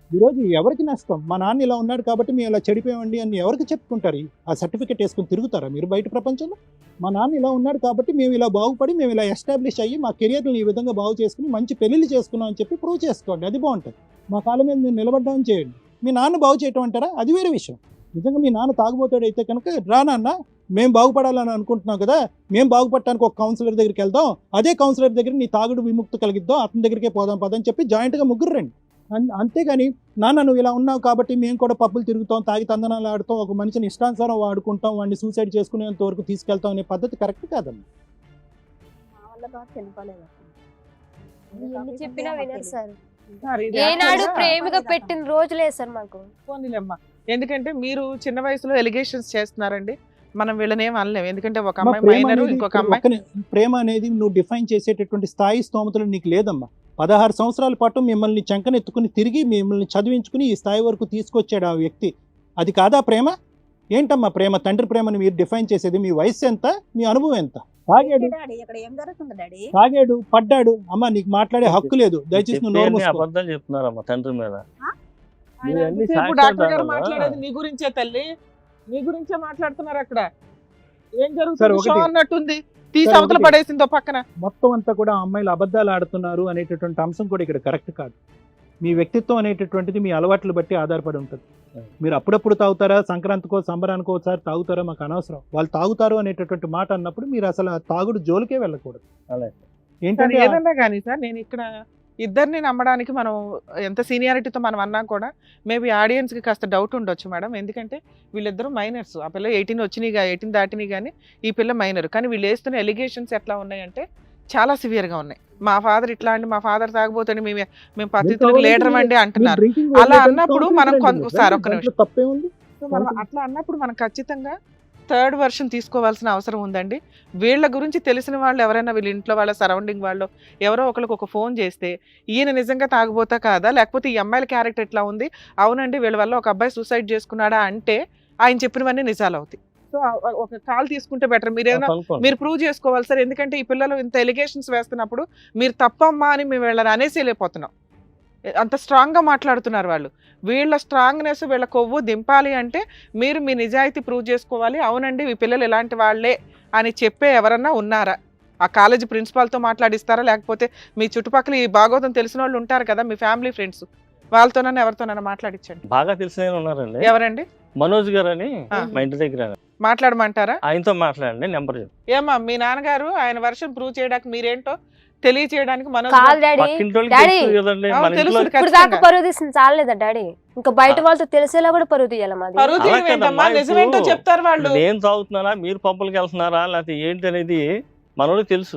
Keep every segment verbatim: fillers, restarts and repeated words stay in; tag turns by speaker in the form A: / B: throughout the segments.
A: ఈరోజు ఎవరికి నష్టం? మా నాన్న ఇలా ఉన్నాడు కాబట్టి మేము ఇలా చెడిపోయామండి అని ఎవరికి చెప్పుకుంటారు? ఆ సర్టిఫికేట్ వేసుకుని తిరుగుతారా మీరు బయట ప్రపంచంలో? మా నాన్న ఇలా ఉన్నాడు కాబట్టి మేము ఇలా బాగుపడి మేము ఇలా ఎస్టాబ్లిష్ అయ్యి మా కెరియర్ని ఈ విధంగా బాగు చేసుకుని మంచి పెళ్లిళ్ళు చేసుకున్నాం అని చెప్పి ప్రూవ్ చేసుకోండి, అది బాగుంటుంది. మా కాళ్ళ మీద మీరు నిలబడ్డామని చేయండి. మీ నాన్న బాగు చేయటం అంటారా? అది వేరే విషయం. నిజంగా మీ నాన్న తాగుబోతాడు అయితే కనుక రా నాన్న, మేము బాగుపడాలని అనుకుంటున్నాం కదా, మేము బాగుపడటానికి ఒక కౌన్సిలర్ దగ్గరికి వెళ్దాం, అదే కౌన్సిలర్ దగ్గర నీ తాగుడు విముక్తి కలిగిద్దాం, అతని దగ్గరికే పోదాం పదని చెప్పి జాయింట్గా ముగ్గురు రండి. అన్- అంతేగాని నాన్న నువ్వు ఇలా ఉన్నావు కాబట్టి మేము కూడా పబ్బులు తిరుగుతాం, తాగి తందనాలు ఆడుతాం, ఒక మనిషిని ఇష్టానుసారం వాడుకుంటాం, వాడిని సూసైడ్ చేసుకునేంత వరకు తీసుకెళ్తాం అనే పద్ధతి కరెక్ట్ కాదమ్మా.
B: మా వల్ల బాగా చనిపోలేదు
C: ఎన్ని చెప్పినా వినరు సార్.
D: సార్, ఇది
C: ఏనాడు
D: actually గా
C: ప్రేమగా పెట్టిన రోజులే సార్ మాకు.
D: పోనీలేమ్మా. ఎందుకంటే మీరు చిన్న వయసులో ఎలిగేషన్స్ చేస్తున్నారండి, మనం వీళ్ళని ఏం అనలేము. ఎందుకంటే ఒక
A: అమ్మా,
D: అమ్మాయి
A: ప్రేమ
D: మైనర్,
A: అనేది
D: ఇంకొక అమ్మాయి
A: ఒక్కనే- ప్రేమ అనేది నువ్వు డిఫైన్ చేసేటటువంటి స్థాయి స్తోమతలు నీకు లేదమ్మా. పదహారు సంవత్సరాల పాటు మిమ్మల్ని చంకనెత్తుకుని తిరిగి మిమ్మల్ని చదివించుకుని ఈ స్థాయి వరకు తీసుకొచ్చాడు ఆ వ్యక్తి. అది కాదా ప్రేమ? ఏంటమ్మా ప్రేమ? తండ్రి ప్రేమని మీరు డిఫైన్ చేసేది? మీ వయసు ఎంత, మీ అనుభవం ఎంత? తాగాడు
B: డాడీ ఇక్కడ ఏం జరుగుతుంది డాడీ?
A: తాగాడు పడ్డాడు, అమ్మ నీకు మాట్లాడే హక్కు లేదు, దయచేసి నువ్వు నోరు
E: చెప్పేయన్ని
A: మూసుకో.
E: అబద్ధాలు చెప్తున్నారమ్మా తండ్రి మీద.
D: ఆయన
E: మీరు అన్ని
D: ఎంతసేపు
E: సాక్ష్యాలు
D: డాక్టర్ గారు
E: కావాలా?
D: మాట్లాడేది నీ గురించే తల్లి, నీ గురించే మాట్లాడుతున్నారు. అక్కడ ఏం
A: సార్,
D: జరుగుతుంది
A: ఒకటి-
D: షో అన్నట్టుంది, తీసి
A: సార్,
D: అవతల
A: ఒకటి-
D: పడేసిందో పక్కన.
A: మొత్తం అంతా కూడా ఆ అమ్మాయిలు అబద్ధాలు ఆడుతున్నారు అనేటటువంటి అంశం కూడా ఇక్కడ కరెక్ట్ కాదు. మీ వ్యక్తిత్వం అనేటటువంటిది మీ అలవాట్లు బట్టి ఆధారపడి ఉంటుంది. మీరు అప్పుడప్పుడు తాగుతారా, సంక్రాంతికో సంబరానికో ఒకసారి తాగుతారా, మాకు అనవసరం. వాళ్ళు తాగుతారు అనేటటువంటి మాట అన్నప్పుడు మీరు అసలు ఆ తాగుడు జోలికే వెళ్ళకూడదు.
E: అలాగే.
D: సార్,
A: ఏంటంటే ఆ-
D: ఏదన్నా కానీ సార్, నేను ఇక్కడ ఇద్దరిని నమ్మడానికి మనం ఎంత సీనియారిటీతో మనం అన్నా కూడా మేబీ ఆడియన్స్కి కాస్త డౌట్ ఉండొచ్చు మేడం. ఎందుకంటే వీళ్ళిద్దరూ మైనర్స్, ఆ పిల్ల ఎయిటీన్ వచ్చినాయి, ఎయిటీన్ దాటినాయి, కానీ ఈ పిల్ల మైనర్. కానీ వీళ్ళు వేస్తున్న ఎలిగేషన్స్ ఎట్లా ఉన్నాయంటే చాలా సివియర్గా ఉన్నాయి. మా ఫాదర్ ఇట్లా అండి, మా ఫాదర్ తాగబోతుంది, మేము మేము పద్ధతులకు లీడర్ అండి
A: మీరు
D: అంటున్నారు.
A: drinking
D: అలా
A: వదిలేయడం
D: అన్నప్పుడు
A: counseling
D: మనం
A: రండి
D: కొంత-
A: మీరు.
D: సార్, ఒక్క
A: దాంట్లో
D: నిమిషం.
A: తప్పే ఉంది.
D: సో మనం అట్లా అన్నప్పుడు మనం ఖచ్చితంగా థర్డ్ వర్షన్ తీసుకోవాల్సిన అవసరం ఉందండి. వీళ్ళ గురించి తెలిసిన వాళ్ళు ఎవరైనా, వీళ్ళ ఇంట్లో వాళ్ళ సరౌండింగ్ వాళ్ళు ఎవరో ఒకరికి ఒక ఫోన్ చేస్తే ఈయన నిజంగా తాగుబోతా కాదా, లేకపోతే ఈ అమ్మాయిల క్యారెక్టర్ ఎట్లా ఉంది, అవునండి వీళ్ళ వల్ల ఒక అబ్బాయి సూసైడ్ చేసుకున్నాడా అంటే ఆయన చెప్పినవన్నీ నిజాలు అవుతాయి. సో ఒక కాల్ తీసుకుంటే బెటర్. మీరు ఏదైనా
E: కనుక్కోండి.
D: మీరు ప్రూవ్ చేసుకోవాలి సార్. ఎందుకంటే ఈ పిల్లలు ఇంత ఎలిగేషన్స్ వేస్తున్నప్పుడు మీరు తప్పమ్మా అని మేము వీళ్ళని అనేసేలేకపోతున్నాం. అంత స్ట్రాంగ్గా మాట్లాడుతున్నారు వాళ్ళు. వీళ్ళ స్ట్రాంగ్నెస్, వీళ్ళ కొవ్వు దింపాలి అంటే మీరు మీ నిజాయితీ ప్రూవ్ చేసుకోవాలి. అవునండి ఈ పిల్లలు ఇలాంటి వాళ్ళే అని చెప్పే ఎవరన్నా ఉన్నారా? ఆ కాలేజీ ప్రిన్సిపాల్తో మాట్లాడిస్తారా, లేకపోతే మీ చుట్టుపక్కల ఈ భాగవతం తెలిసిన వాళ్ళు ఉంటారు కదా, మీ ఫ్యామిలీ ఫ్రెండ్స్, వాళ్ళతోనన్నా ఎవరితోనన్నా మాట్లాడించండి.
E: బాగా తెలిసిన ఆయన ఉన్నారండి,
D: ఎవరండి?
E: మనోజ్ గారు అని,
D: ఆ.
E: మా ఇంటి దగ్గర.
D: మాట్లాడమంటారా?
E: ఆయనతో మాట్లాడండి, నెంబర్ చెప్పు.
D: ఏమా మీ నాన్నగారు ఆయన వర్షన్ ప్రూవ్ చేయడానికి మీరేంటో తెలియచేయడానికి మనోజ్
C: కాదు
D: గారు-
C: డాడీ,
E: పక్కింటి వాళ్ళకి
C: డాడీ.
E: తెలుసు కదండి,
D: అవును,
E: మన ఇంట్లో
D: తెలుసు.
C: ఇప్పుడు దాకా పరువు తీసింది చాలేదా డాడీ? ఇంకా బయట వాళ్ళతో తెలిసేలా కూడా పరువు తీయాలి మాది.
D: పరువు
E: అలా
D: తీయడం ఏంటమ్మా,
E: కదమ్మా,
D: నిజమేంటో
E: ఇప్పుడు
D: చెప్తారు వాళ్ళు.
E: నేను తాగుతున్నారా, మీరు పబ్బులకి వెళ్తున్నారా, లేకపోతే ఏంటి అనేది మనోడికి తెలుసు.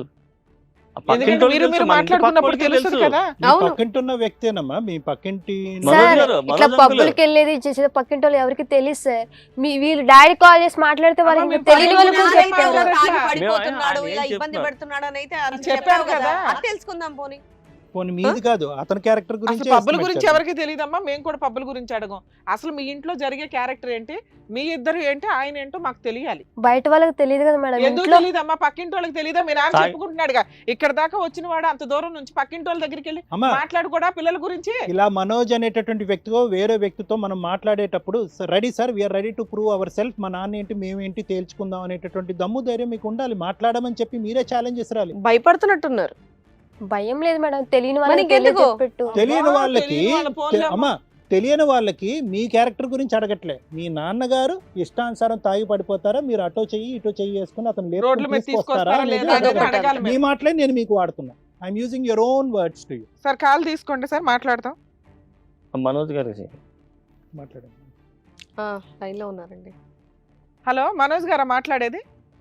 E: ఆ పక్కింటి
D: ఎందుకంటే
E: వాళ్ళకి
D: మీరు మీరు
E: తెలుసు, మన ఇంటి
D: మాట్లాడుకున్నప్పుడు
E: పక్కోడికి
D: తెలుస్తుంది కదా.
A: మీ
C: అవును.
A: పక్కింటి ఉన్న వ్యక్తేనమ్మా, మీ పక్కింటి
E: మనోజ్
C: సార్,
E: గారు,
C: ఇట్లా
E: మనోజ్
C: పబ్బులకి
E: అంకుల్.
C: వెళ్ళేది చేసేది పక్కింటి వాళ్ళు ఎవరికి తెలియదు సార్. మీ వీళ్ళు డాడీ కాల్ చేసి మాట్లాడితే
D: అమ్మ,
C: వాళ్ళకి
D: మేము
C: తెలియని వాళ్ళు కూడా
D: పక్కింటి
C: చెప్తారు.
D: వాళ్ళకి
B: తాగి
D: మేము
B: పడిపోతున్నాడు,
E: ఆయన
B: ఇలా
E: ఏం
B: ఇబ్బంది
E: చెప్తున్నారు?
B: పెడుతున్నాడు అని అయితే అది
D: చెప్పారు
B: చెప్పారు కదా,
D: కదా.
B: అది తెలుసుకుందాం పోనీ.
A: పోనీ మీది కాదు, అతని క్యారెక్టర్
D: అసలు
A: గురించి
D: పబ్బుల గురించి ఎవరికి తెలియదమ్మా, మేము కూడా పబ్బుల గురించి అడగం. అసలు మీ ఇంట్లో జరిగే క్యారెక్టర్ ఏంటి, మీ ఇద్దరు ఏంటి, ఆయన ఏంటో మాకు తెలియాలి.
C: బయట వాళ్ళకి తెలియదు కదా మేడం.
D: ఎందుకు
C: ఇంట్లో
D: తెలియదమ్మా? పక్కింటి వాళ్ళకి తెలియదా? మీ నాన్న
E: తాగి-
D: చెప్పుకుంటున్నాడుగా, ఇక్కడ దాకా వచ్చిన వాడు అంత దూరం నుంచి పక్కింటి వాళ్ళ దగ్గరికి వెళ్ళి
A: అమ్మా
D: మాట్లాడుకోడా పిల్లల గురించి?
A: ఇలా మనోజ్ అనేటటువంటి వ్యక్తితో వేరే వ్యక్తితో మనం మాట్లాడేటప్పుడు ready sir, we're ready to prove our self, మా నాన్న ఏంటి మేమేంటి తేల్చుకుందాం అనేటటువంటి దమ్ము ధైర్యం మీకు ఉండాలి. మాట్లాడమని చెప్పి మీరే ఛాలెంజ్ చేసాలి.
B: భయపడుతున్నట్టున్నారు.
C: భయం లేదు మేడం, తెలియని వాళ్ళకి
B: మనకి ఎందుకు?
C: తెలియజెప్పెట్టు.
A: తెలియని
D: అబ్బా,
A: వాళ్ళకి
D: తెలియని వాళ్ళ ఫోన్లో
A: తె- అమ్మా తెలియని వాళ్ళకి మీ క్యారెక్టర్ గురించి అడగట్లే. మీ నాన్నగారు ఇష్టానుసారం తాగి పడిపోతారా, మీరు అటో చెయ్యి ఇటో చెయ్యి వేసుకుని అతను లేపుకొని
D: రోడ్ల మీద
A: తీసుకొస్తారా
D: తీసుకొస్తారా
A: అనేది
D: లేదా అనేది
A: అడగట్లే.
D: అడగాలి
A: మీ
D: మేము.
A: మాటలే నేను మీకు వాడుతున్నా. I'm using your own words to you.
D: Sir call తీసుకోండి సార్, మాట్లాడతాం.
E: మనోజ్ గారికి
A: మాట్లాడండి.
B: లైన్ లో ఉన్నారండి.
D: హలో, మనోజ్ గారా మాట్లాడేది?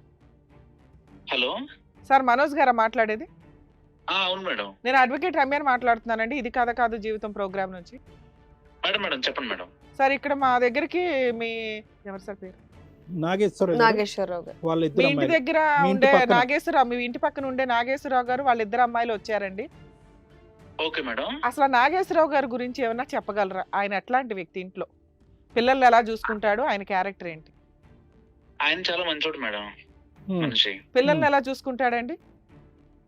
F: హలో.
D: సార్ మనోజ్ గారా మాట్లాడేది?
F: ఆ, అవును మేడం.
D: నేను అడ్వకేట్ రమ్యని మాట్లాడుతున్నానండి, ఇది కథ కాదు జీవితం ప్రోగ్రామ్ నుంచి.
F: మేడం మేడం చెప్పండి మేడం.
D: సార్ ఇక్కడ మా దగ్గరికి మీ ఎవరు సార్ పేరు?
A: నాగేశ్వర
B: నాగేశ్వరరావు గారు.
A: వాళ్ళ
D: మీ
A: ఇద్దరు
D: ఇంటి
A: అమ్మాయిలు.
D: దగ్గర
A: మీ ఇంటి
D: ఉండే
A: పక్కన.
D: నాగేశ్వరరావు, మీ ఇంటి పక్కన ఉండే నాగేశ్వరరావు గారు వాళ్ళ ఇద్దరు అమ్మాయిలు వచ్చారండి.
F: Okay madam.
D: అసలు ఆ నాగేశ్వరరావు గారి గురించి ఏమన్నా చెప్పగలరా? ఆయన ఎట్లాంటి వ్యక్తి, ఇంట్లో పిల్లల్ని ఎలా చూసుకుంటాడు, ఆయన క్యారెక్టర్ ఏంటి?
F: ఆయన చాలా మంచోడు మేడం,
A: హ్మ్.
F: మనిషి.
D: పిల్లల్ని ఎలా చూసుకుంటాడండి?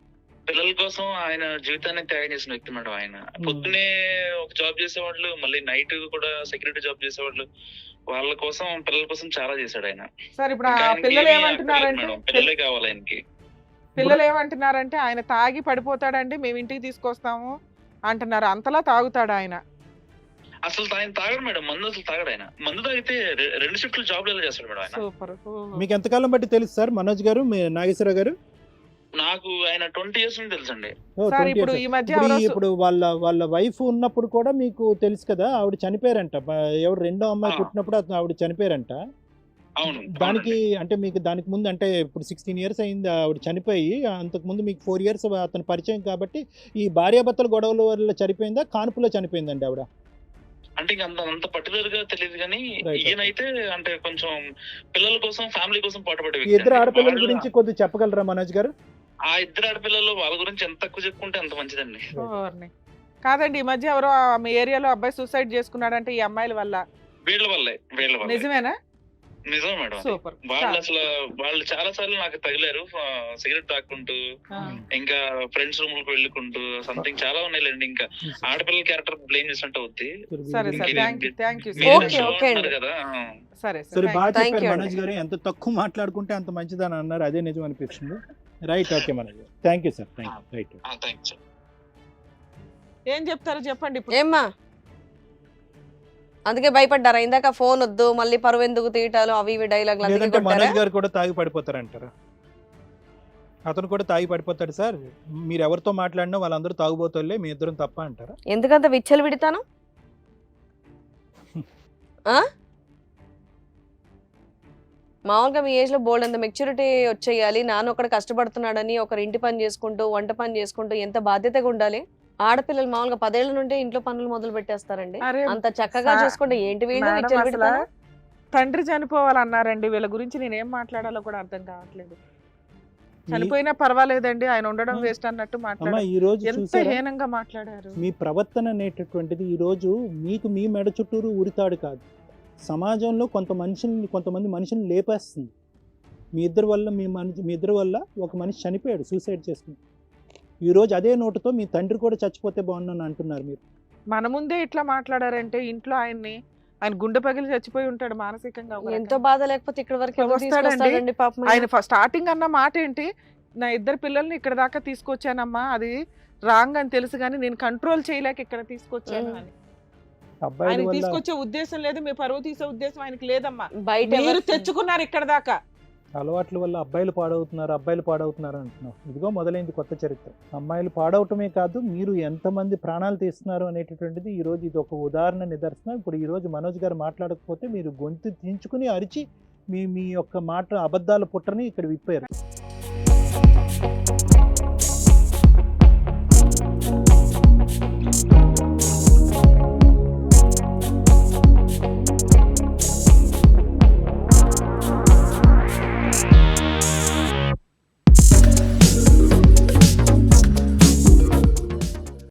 F: పిల్లల కోసం ఆయన జీవితాన్ని త్యాగం చేసిన వ్యక్తి మేడం ఆయన. పొద్దునే ఒక జాబ్ చేసేవాళ్ళు, మళ్ళీ నైట్ కూడా సెక్యూరిటీ జాబ్ చేసేవాళ్ళు. వాళ్ళ కోసం పిల్లల కోసం చాలా చేశాడు ఆయన.
D: సార్ ఇప్పుడు
F: ఇంకా
D: ఆ
F: ఆయనకి
D: పిల్లలు
F: ఏమీ
D: ఏమంటున్నారంటే
F: అక్కర్లేదు మేడం, పిల్లలే కావాలి ఆయనకి.
D: పిల్లలు ఏమంటున్నారంటే ఆయన తాగి పడిపోతాడండి, మేము ఇంటికి తీసుకొస్తాము అంటున్నారు. అంతలా తాగుతాడు ఆయన.
F: అసలు ఆయన తాగడు మేడం, మందు అసలు తాగడు ఆయన. మందు తాగితే రె- రెండు షిఫ్ట్లు జాబ్ ఎలా చేస్తాడు మేడం ఆయన.
D: సూపర్.
A: మీకు ఎంతకాలం బట్టి తెలుసు సార్ మనోజ్ గారు, మీ నాగేశ్వరరావు గారు?
F: నాకు ఆయన ట్వంటీ ఇయర్స్ నుంచి తెలుసండి.
A: ఓ,
D: సార్
A: twenty
D: ఇప్పుడు
A: years.
D: ఈ మధ్య
A: ఇప్పుడు
D: ఎవరో
A: ఈ-
D: సు-
A: ఇప్పుడు వాళ్ళ వాళ్ళ వైఫ్ ఉన్నప్పుడు కూడా మీకు తెలుసు కదా, ఆవిడ చనిపోయారంట. బ- ఎవరు రెండో అమ్మాయి
F: ఆ.
A: పుట్టినప్పుడు అతను- ఆవిడ చనిపోయారంట.
F: అవును,
A: దానికి
F: అవునండి.
A: అంటే మీకు దానికి ముందు అంటే ఇప్పుడు సిక్స్టీన్ ఇయర్స్ అయింది ఆవిడ చనిపోయి, అంతకు ముందు మీకు ఫోర్ ఇయర్స్ అతను పరిచయం కాబట్టి ఈ భార్యాభర్తల గొడవల వల్ల చనిపోయిందా, కాన్పులో చనిపోయిందండి ఆవిడ?
F: అంటే ఇంకా అంత అంత పర్టికులర్ గా తెలియదు కానీ
A: Right.
F: ఈయనైతే అంటే కొంచెం పిల్లల కోసం ఫ్యామిలీ కోసం పాటుపడే
A: ఈ
F: వ్యక్తి
A: ఇద్దరు
F: అండి.
A: ఆడపిల్లల
F: వాళ్ళు-
A: గురించి కొద్దిగా చెప్పగలరా మనోజ్ గారు?
F: ఆ ఇద్దరు ఆడపిల్లలు వాళ్ళ గురించి ఎంత తక్కువ చెప్పుకుంటే అంత మంచిదండి.
D: ఓర్ని. కాదండి ఈ మధ్య ఎవరో ఆ మీ ఏరియాలో అబ్బాయి సూసైడ్ చేసుకున్నాడంటే ఈ అమ్మాయిల వల్ల.
F: వీళ్ళ వల్లే వీళ్ళ వల్లే
D: నిజమేనా?
F: నిజం మేడం. అది.
D: సూపర్.
F: వాళ్ళు అసలు వాళ్ళు చాలా సార్లు నాకు తగిలారు, సిగరెట్ తాక్కుంటూ,
D: ఆ.
F: ఇంకా ఫ్రెండ్స్ రూమ్ లకు వెళ్ళుకుంటూ సంథింగ్ చాలా ఉన్నాయిలేండి. ఇంకా ఆడపిల్లల క్యారెక్టర్ బ్లేమ్ చేసినట్టు అవుద్ది.
D: సరే సార్,
F: ఇది-
D: థ్యాంక్ యూ థ్యాంక్ యూ
F: మీరే
B: Okay,
F: show
B: okay
F: అంటున్నారు
B: అండి.
F: కదా.
D: సరే
A: సరే,
D: సార్
A: బాగా
B: Thank
A: చెప్పారు
B: you
A: మనోజ్ గారు. ఎంత తక్కువ మాట్లాడుకుంటే అంత మంచిదని అన్నారు, అదే నిజం అనిపిస్తుంది. రైట్, ఓకే మనోజ్ గారు, thank you sir, thank you. Right.
F: Thanks.
D: ఏం చెప్తారో చెప్పండి ఇప్పుడు.
B: ఏమ్మా అందుకే భయపడ్డారా ఇందాక? ఫోన్ వద్దు, మళ్ళీ పరువు ఎందుకు తీయటాలు, అవి ఇవి డైలాగులు అందుకే
A: లేదంటే
B: కొట్టారా?
A: మనోజ్ గారు కూడా తాగి పడిపోతారంటారా? అతను కూడా తాగి పడిపోతాడు సార్. మీరు ఎవరితో మాట్లాడినా వాళ్ళందరూ తాగుబోతులే, మీ ఇద్దరం తప్ప అంటారా?
B: ఎందుకంత విచ్చలు విడతాను? ఆ? మామూలుగా మీ ఏజ్ లో బోల్డ్ అంత మెచ్యూరిటీ వచ్చేయాలి. నాన్న ఒకడు కష్టపడుతున్నాడని ఒకరు ఇంటి పని చేసుకుంటూ వంట పని చేసుకుంటూ ఎంత బాధ్యతగా ఉండాలి. ఆడపిల్లలు మామూలుగా పదేళ్ల నుండే ఇంట్లో పనులు మొదలు పెట్టేస్తారండి.
D: అరే
B: అంత చక్కగా
D: సా-
B: చూసుకుంటే ఏంటి వీళ్ళు
D: మేడం,
B: విచ్చలు
D: అసలు
B: విడతాను?
D: తండ్రి చనిపోవాలన్నారండి. వీళ్ళ గురించి నేను ఏం మాట్లాడాలో కూడా అర్థం కావట్లేదు. చనిపోయినా పర్వాలేదండి, ఆయన ఉండడం
A: ఆ.
D: వేస్ట్ అన్నట్టు
A: అమ్మా,
D: మాట్లాడారు.
A: ఈ రోజు
D: ఎంత
A: చూసారా
D: హీనంగా మాట్లాడారు.
A: మీ ప్రవర్తన అనేటటువంటిది ఈ రోజు మీకు మీ మెడ చుట్టూరు ఉరితాడు కాదు, సమాజంలో కొంత మనుషుల్ని కొంతమంది మనుషుల్ని లేపేస్తుంది. మీ ఇద్దరి వల్ల మీ మనిషి మీ ఇద్దరి వల్ల ఒక మనిషి చనిపోయాడు, సూసైడ్ చేసుకుని. ఈ రోజు అదే నోటుతో మీ తండ్రి కూడా చచ్చిపోతే బాగున్నాను అంటున్నారు మీరు.
D: మన ముందే ఇట్లా మాట్లాడారంటే ఇంట్లో ఆయన్ని ఆయన గుండె పగిలి చచ్చిపోయి ఉంటాడు మానసికంగా. ఒక
B: ఎంతో
D: రకంగా.
B: బాధ లేకపోతే ఇక్కడ వరకు ఎందుకు
D: వస్తాడండి.
B: తీసుకొస్తాడండి పాపం?
D: ఆయన స్టార్టింగ్ అన్న మాట ఏంటి, నా ఇద్దరు పిల్లల్ని ఇక్కడ దాకా తీసుకొచ్చానమ్మా, అది రాంగ్ అని తెలుసు కానీ నేను కంట్రోల్ చేయలేక ఇక్కడ తీసుకొచ్చాను
B: మ్మ్.
D: అని.
A: అబ్బాయిల
D: ఆయన
A: వల్ల
D: తీసుకొచ్చే ఉద్దేశం లేదు, మీ పరువు తీసే ఉద్దేశం ఆయనకి లేదమ్మా.
B: బయట
D: మీరు
B: ఎవరు-
D: తెచ్చుకున్నారు ఇక్కడ దాకా.
A: అలవాట్ల వల్ల అబ్బాయిలు పాడవుతున్నారు, అబ్బాయిలు పాడవుతున్నారు అంటున్నారు. ఇదిగో మొదలైంది కొత్త చరిత్ర. అమ్మాయిలు పాడవటమే కాదు, మీరు ఎంతమంది ప్రాణాలు తీస్తున్నారు అనేటటువంటిది ఈ రోజు ఇది ఒక ఉదాహరణ, నిదర్శనం. ఇప్పుడు ఈ రోజు మనోజ్ గారు మాట్లాడకపోతే మీరు గొంతు దించుకుని అరిచి మీ మీ యొక్క మాట అబద్ధాల పుట్టని ఇక్కడ విప్పారు.